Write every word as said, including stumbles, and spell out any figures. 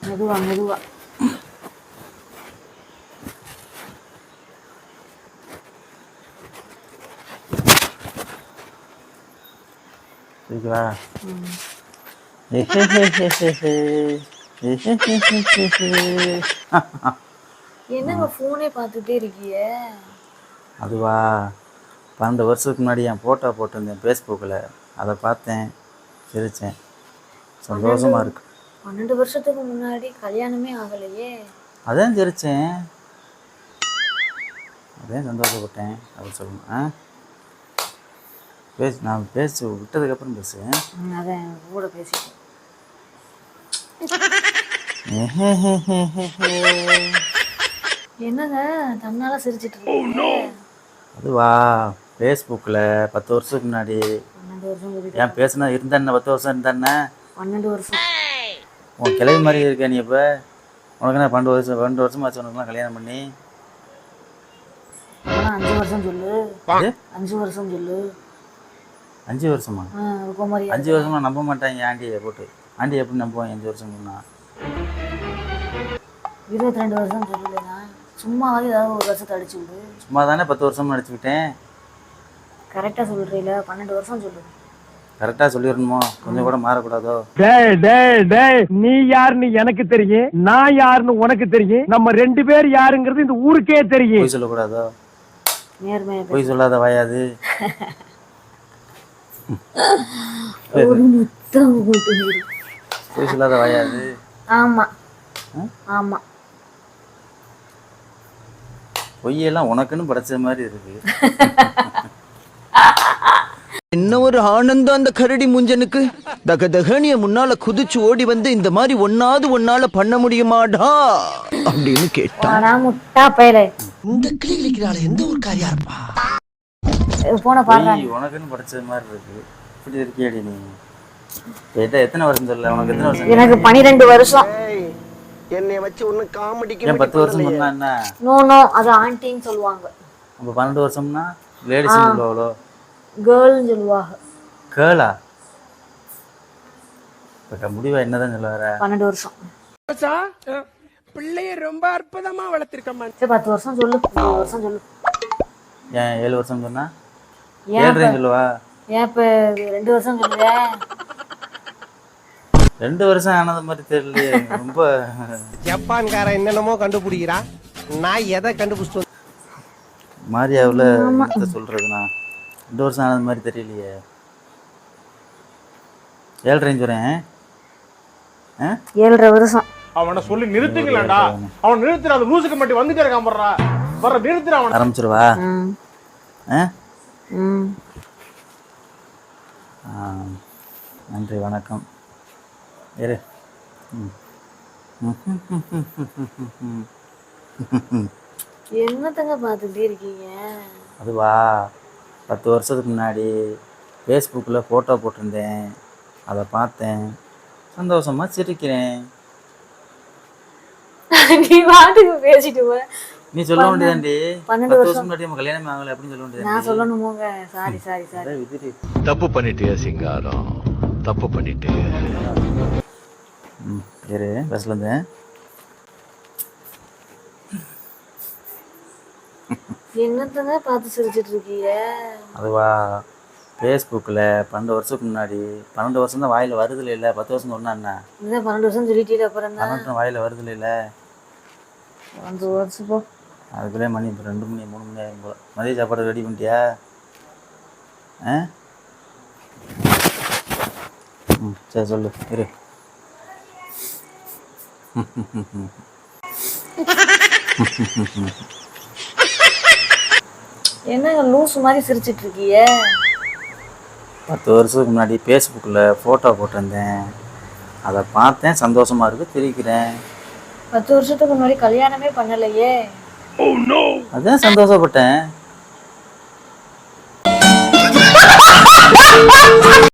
மெதுவா மெதுவா. சரிங்களா? என்னங்க ஃபோனே பார்த்துட்டே இருக்கிய? அதுவா, பன்னெண்டு வருஷத்துக்கு முன்னாடி என் ஃபோட்டோ போட்டிருந்தேன் ஃபேஸ்புக்கில். அதை பார்த்தேன், சிரித்தேன். சந்தோஷமாக இருக்கு. பன்னெண்டு வருஷத்துக்கு முன்னாடி கல்யாணமே ஆகலையே. அதான் சிரித்தேன், அதான் சந்தோஷப்பட்டேன் அப்படின்னு சொல்லணும். ஆ பேசு, நான் பேச விட்டதுக்கப்புறம் பேசு. அதான் கூட பேசிட்டேன். என்னங்க தன்னால சிரிச்சிட்டு இருக்கீங்க? அதுவா, ஃபேஸ்புக்கில் பத்து வருஷத்துக்கு முன்னாடி. பன்னெண்டு வருஷம் ஏன் பேசுனா இருந்தேன்ன? பத்து வருஷம் இருந்தேன்ன? பன்னெண்டு வருஷம். உன் கிளவி மாதிரி இருக்க நீ. இப்போ உனக்கு என்ன பன்னெண்டு வருஷம் பன்னெண்டு வருஷமாச்சு உனக்குலாம் கல்யாணம் பண்ணி? அஞ்சு வருஷம் சொல்லு. அஞ்சு வருஷம் சொல்லு. அஞ்சு வருஷமா? அஞ்சு வருஷமா நம்ப மாட்டாங்க ஆண்டியை போட்டு. ஆண்டி எப்படி நம்புவாங்க அஞ்சு வருஷம் முன்னா? இருபத்தி ரெண்டு வருஷம் சொல்லலைண்ணா, சும்மாவது ஏதாவது ஒரு வருஷத்தை அடிச்சு விடு. சும்மா தானே பத்து வருஷம் அடிச்சுக்கிட்டேன். கரெக்டாக சொல்கிறீங்கள, பன்னெண்டு வருஷம் சொல்லு. கரெக்டாக சொல்லிடணுமோ? கொஞ்சம் கூட மாறக்கூடாதோ? டேய் டேய் டேய், நீ யாருன்னு எனக்கு தெரியும், நான் யாருன்னு உனக்கு தெரியும். நம்ம ரெண்டு பேர் யாருங்கிறது இந்த ஊருக்கே தெரியும். பொய் சொல்லக்கூடாதோ? நேர்மையா பொய் சொல்லாத வாயாது. ஒரு முத்தம் போட்டு. பொய் சொல்லாத வாயாது. ஆமா ஆமா, பொய்யெல்லாம் உனக்குன்னு படைச்ச மாதிரி இருக்கு. என்ன ஒரு ஆனந்தம் அந்த கரடி முஞ்சனுக்கு. தக தகனிய முன்னால குதிச்சு ஓடி வந்து இந்த மாதிரி ஒன்னாவது ஒன்னால பண்ண முடியுமாடா அப்படின்னு கேட்டான். முட்டா பையலே, இந்த கிளி கிளிக்கிறாள் எந்த ஒரு காரியா இருப்பா. போன பாருங்க, உனக்குன்னு படைச்ச மாதிரி இருக்கு. இப்படி இருக்கியாடி நீ? எத்தனை வருஷம் சொல்ல? உனக்கு எத்தனை வருஷம்? எனக்கு பன்னிரெண்டு வருஷம். என்னை வச்சு ஒண்ணு காமெடிக்கு. ஏன் பத்து வருஷம் சொன்னா என்ன? நோ நோ, அது ஆண்டின்னு சொல்லுவாங்க. அப்ப பன்னெண்டு வருஷம்னா லேடிஸ் சொல்லுவாங்களோ? கேர்ள்னு சொல்லுவாங்க. கேர்ளா? இப்ப முடிவா என்னதான் சொல்ல வர? பன்னெண்டு வருஷம். பிள்ளைய ரொம்ப அற்புதமா வளர்த்திருக்கம்மா. சரி பத்து வருஷம் சொல்லு. பத்து வருஷம் சொல்லு. ஏன் ஏழு வருஷம் சொன்னா? ஏழரை சொல்லுவா? ஏன் இப்ப ரெண்டு வருஷம் சொல்லுவே? ரெண்டு வருஷம் ஆனது மாதிரி தெரியலையே. ரொம்ப ஜப்பான்கார என்னென்னமோ கண்டுபிடிக்கிறான், நான் எதை கண்டுபிடிச்சிட்டு மாரியாவில் என்னத்த சொல்றதுண்ணா? ரெண்டு வருஷம் ஆனது மாதிரி தெரியலையே. ஏழரைன்னு சொல்றேன். ஏழரை வருஷம். அவனை சொல்லி நிறுத்துங்களேன்டா. அவன் நிறுத்துற, அந்த லூசுக்கு மட்டும் வந்துட்டே இருக்கான். போடுறா வர நிறுத்துற. அவன் ஆரம்பிச்சிருவா. நன்றி, வணக்கம். இரு. என்னத்தங்க பார்த்துட்டே இருக்கீங்க? அதுவா, பத்து வருஷத்துக்கு முன்னாடி ஃபேஸ்புக்கில் ஃபோட்டோ போட்டிருந்தேன். அதை பார்த்தேன், சந்தோஷமாக சிரிக்கிறேன். நீ வாட்டுக்கு பேசிட்டு போ. நீ சொல்ல வேண்டியதாண்டி, பன்னெண்டு பத்து வருஷம் வருஷம் முன்னாடி நம்ம கல்யாணம் ஆகலை அப்படின்னு சொல்ல வேண்டியது. நான் சொல்லணுமோங்க? Sorry sorry sorry. விதிரி தப்பு பண்ணிட்டே சிங்காரம், தப்பு பண்ணிட்டே. ம் இரு, பஸ்ல இருந்தேன். என்னத்தங்க பார்த்து சிரிச்சிட்டு இருக்கீங்க? அதுவா, ஃபேஸ்புக்கில் பன்னெண்டு வருஷத்துக்கு முன்னாடி. பன்னெண்டு வருஷம் தான் வாயில் வருதில்ல. இல்லை பத்து வருஷம் சொன்னா என்ன? இதான் பன்னெண்டு வருஷம் சொல்லிட்டீங்க. அப்புறம் தான் பன்னெண்டு வாயில் வருதில்ல. இல்லை அஞ்சு வருஷம் போ. அதுக்குள்ளே மணி இப்போ ரெண்டு மணி மூணு மணி ஆகும் போல. மதிய சாப்பாடு ரெடி பண்ணிட்டியா? ஆ ம் சரி சொல்லு. இரு. என்னங்க லூஸ் மாதிரி சிரிச்சிட்டு இருக்கீங்க? பத்து வருஷத்துக்கு முன்னாடி ஃபேஸ்புக்கில் ஃபோட்டோ போட்டிருந்தேன். அதை பார்த்தேன், சந்தோஷமாக இருக்குது, திரிக்கிறேன். பத்து வருஷத்துக்கு முன்னாடி கல்யாணமே பண்ணலையே. அதான் சந்தோஷப்பட்டேன்.